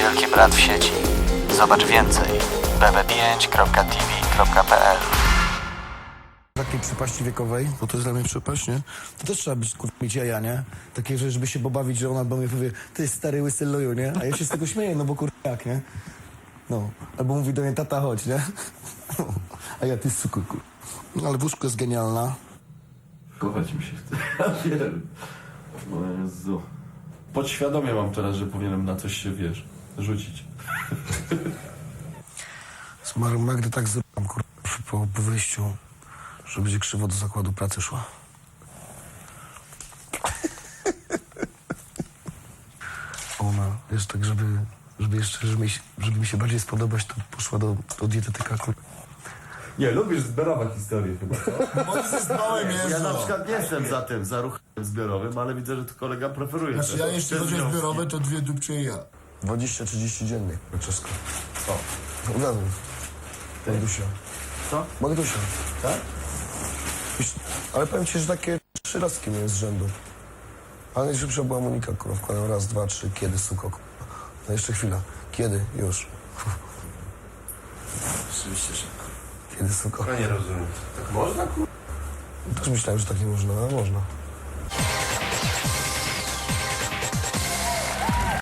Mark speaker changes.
Speaker 1: Wielki Brat w sieci. Zobacz więcej bb5.tv.pl.
Speaker 2: Takiej przepaści wiekowej, bo to jest dla mnie przepaść, nie? To też trzeba być, mieć jaja, nie? Takie, żeby się pobawić, że ona do mnie powie, ty stary łysy loju, nie? A ja się z tego śmieję, no bo jak, nie? No. Albo mówi do mnie, tata, chodź, nie? A ja, ty suku, No ale wózko jest genialna.
Speaker 3: Kochać mi się chce. Ja wiem. O Jezu. Podświadomie mam teraz, że powinienem na coś się, wiesz, rzucić.
Speaker 2: Z Magdy tak zrobiłam, po wyjściu, że będzie krzywo do zakładu pracy szła. Ona, wiesz, tak, żeby mi się bardziej spodobać, to poszła do dietetyka,
Speaker 3: Nie, lubisz zbiorowe historie chyba, co?
Speaker 4: Ja na przykład nie jestem za ruchem zbiorowym, ale widzę, że tu kolega preferuje.
Speaker 5: Znaczy ja jeśli chodzi o zbiorowe, to 2 dupcie i ja.
Speaker 2: 20-30 dziennie, Francesco.
Speaker 4: Co?
Speaker 2: Uwiadom. Magdusia.
Speaker 4: Co?
Speaker 2: Magdusia.
Speaker 4: Tak?
Speaker 2: Ale powiem ci, że takie 3 razki miałem z rzędu. Ale najszybsza była Monika, kurwa, wkładam raz, 2, 3, kiedy, suko, kurwa. No jeszcze chwila. Kiedy? Już.
Speaker 4: Oczywiście szybko.
Speaker 2: Kiedy, suko?
Speaker 4: Ja nie rozumiem. Tak można, kurwa?
Speaker 2: Też myślałem, że tak nie można, ale można.